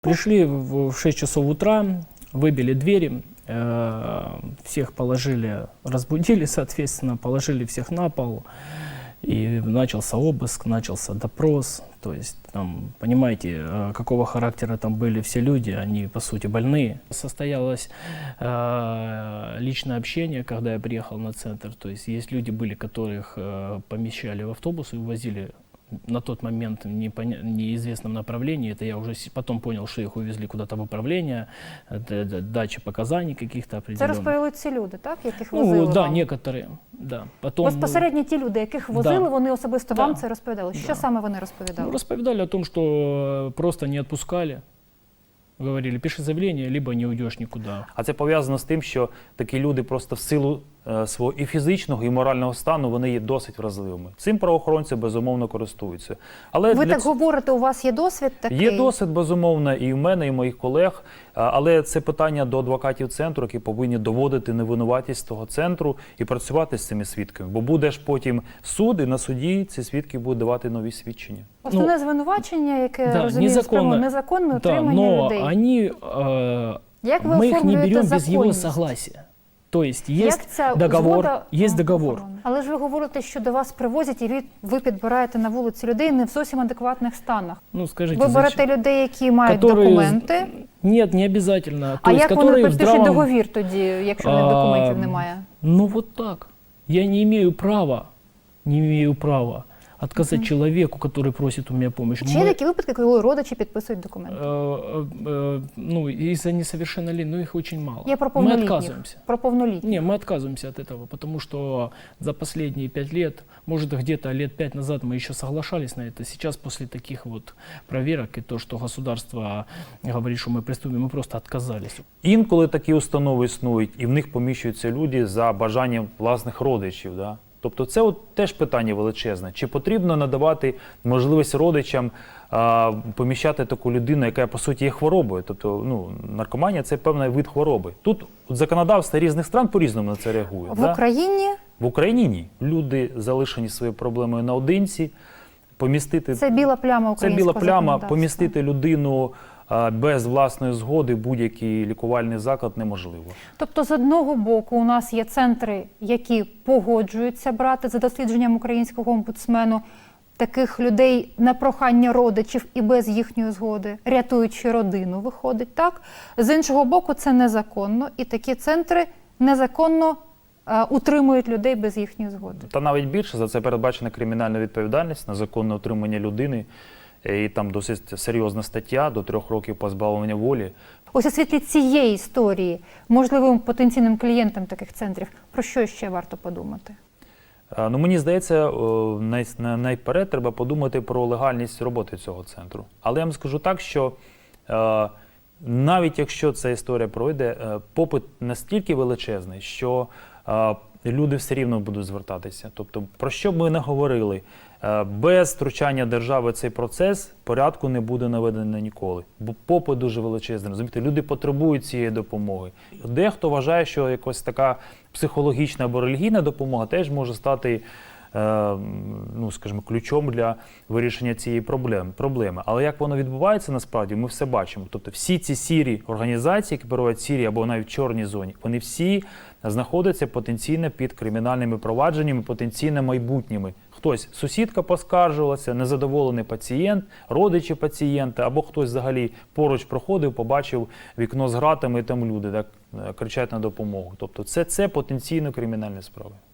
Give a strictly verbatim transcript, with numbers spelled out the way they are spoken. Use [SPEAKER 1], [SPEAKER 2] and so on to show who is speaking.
[SPEAKER 1] Пришли в шесть часов утра, выбили двери, всех положили, разбудили, соответственно, положили всех на пол. И начался обыск, начался допрос. То есть, там, понимаете, какого характера там были все люди, они, по сути, больные. Состоялось э, личное общение, когда я приехал на центр. То есть, есть люди были, которых э, помещали в автобус и увозили на тот момент в неизвестном направлении. Это я уже потом понял, что их увезли куда-то в управление, дача показаний каких-то определенных.
[SPEAKER 2] Це розповіли ці люди, так, яких возили
[SPEAKER 1] Ну, да,
[SPEAKER 2] вам?
[SPEAKER 1] некоторые, да. Потом,
[SPEAKER 2] Безпосередньо ті люди, яких возили,
[SPEAKER 1] да.
[SPEAKER 2] вони особисто
[SPEAKER 1] Да.
[SPEAKER 2] вам це розповідали. Що
[SPEAKER 1] Да.
[SPEAKER 2] саме вони розповідали?
[SPEAKER 1] Ну, рассказали о том, что просто не отпускали. Говорили, пиши заявление, либо не уйдешь никуда.
[SPEAKER 3] А це пов'язано з тим, що такі люди просто в силу е, свого і фізичного, і морального стану, вони є досить вразливими. Цим правоохоронці, безумовно, користуються. Але
[SPEAKER 2] Ви
[SPEAKER 3] для
[SPEAKER 2] так
[SPEAKER 3] ц-
[SPEAKER 2] говорите, у вас є досвід такий?
[SPEAKER 3] Є досвід, безумовно, і в мене, і в моїх колег, а, але це питання до адвокатів центру, які повинні доводити невинуватість того центру і працювати з цими свідками. Бо буде ж потім суд, і на суді ці свідки будуть давати нові свідчення.
[SPEAKER 2] Основне звинувачення, яке,
[SPEAKER 1] да,
[SPEAKER 2] розумію,
[SPEAKER 1] незаконно,
[SPEAKER 2] незаконне
[SPEAKER 1] да,
[SPEAKER 2] утримання
[SPEAKER 1] но
[SPEAKER 2] людей.
[SPEAKER 1] они, э,
[SPEAKER 2] Як ви
[SPEAKER 1] мы их не
[SPEAKER 2] оформлюєте
[SPEAKER 1] берем без его
[SPEAKER 2] законність?
[SPEAKER 1] согласия. То есть
[SPEAKER 2] Як
[SPEAKER 1] есть
[SPEAKER 2] ця
[SPEAKER 1] договор,
[SPEAKER 2] згода,
[SPEAKER 1] есть
[SPEAKER 2] ну,
[SPEAKER 1] договор.
[SPEAKER 2] охорони? Але ж ви говорите, що до вас привозять і ви- ви підбираєте на вулиці людей не в зовсім адекватних станах.
[SPEAKER 1] Ну, скажите,
[SPEAKER 2] Ви берете
[SPEAKER 1] зачем?
[SPEAKER 2] людей, які мають
[SPEAKER 1] Которые-
[SPEAKER 2] документи,
[SPEAKER 1] Нет, не обязательно.
[SPEAKER 2] а
[SPEAKER 1] То есть,
[SPEAKER 2] як вони
[SPEAKER 1] которые в
[SPEAKER 2] підпишуть
[SPEAKER 1] здравом-
[SPEAKER 2] договір тоді, якщо в них
[SPEAKER 1] А,
[SPEAKER 2] документів немає?
[SPEAKER 1] Ну вот так. Я не имею права, не имею права отказать человеку, который просит у меня помощи.
[SPEAKER 2] Чи є
[SPEAKER 1] Мы,
[SPEAKER 2] такі випадки, коли родичі підписують документи?
[SPEAKER 1] э, э, э, ну, из-за несовершеннолетних, ну их очень мало.
[SPEAKER 2] Я про
[SPEAKER 1] Мы
[SPEAKER 2] повнолітніх.
[SPEAKER 1] отказываемся.
[SPEAKER 2] Про повнолітніх.
[SPEAKER 1] Не, мы отказываемся от этого, потому что за последние пять лет, может где-то лет пять назад мы еще соглашались на это, сейчас после таких вот проверок и то, что государство говорит, что мы приступим, мы просто отказались.
[SPEAKER 3] Інколи такі установи існують, і в них поміщуються люди за бажанням власних родичів. Да? Тобто це от теж питання величезне. Чи потрібно надавати можливість родичам а, поміщати таку людину, яка, по суті, є хворобою? Тобто, ну, наркоманія – це певний вид хвороби. Тут от законодавство різних стран по-різному на це реагує.
[SPEAKER 2] В
[SPEAKER 3] да?
[SPEAKER 2] Україні
[SPEAKER 3] В Україні ні. Люди залишені своєю проблемою наодинці. Помістити
[SPEAKER 2] це біла пляма
[SPEAKER 3] Це
[SPEAKER 2] українського
[SPEAKER 3] біла пляма,
[SPEAKER 2] законодавства.
[SPEAKER 3] помістити людину а, без власної згоди в будь-який лікувальний заклад неможливо.
[SPEAKER 2] Тобто, з одного боку, у нас є центри, які погоджуються брати, за дослідженням українського омбудсмену, таких людей на прохання родичів і без їхньої згоди, рятуючи родину, виходить, так? З іншого боку, це незаконно, і такі центри незаконно е, утримують людей без їхньої згоди.
[SPEAKER 3] Та навіть більше, за це передбачена кримінальна відповідальність на законне утримання людини. І там досить серйозна стаття, до трьох років позбавлення волі.
[SPEAKER 2] Ось у світлі цієї історії, можливим потенційним клієнтам таких центрів, про що ще варто подумати?
[SPEAKER 3] А, Ну, мені здається, о, най, на- найперед треба подумати про легальність роботи цього центру. Але я вам скажу так, що е, навіть якщо ця історія пройде, е, попит настільки величезний, що е, люди все рівно будуть звертатися. Тобто, про що б ми не говорили, е, без втручання держави цей процес порядку не буде наведено ніколи. Бо попит дуже величезний, розумієте, люди потребують цієї допомоги. Дехто вважає, що якась така психологічна або релігійна допомога теж може стати, е, ну, скажімо, ключом для вирішення цієї проблеми. проблеми. Але як воно відбувається насправді, ми все бачимо. Тобто всі ці сірі організації, які перебувають в сірій або навіть в чорній зоні, вони всі знаходяться потенційно під кримінальними провадженнями, потенційно майбутніми. Хтось, сусідка поскаржилася, незадоволений пацієнт, родичі пацієнта, або хтось взагалі поруч проходив, побачив вікно з гратами, і там люди так кричать на допомогу. Тобто це, це потенційно кримінальні справи.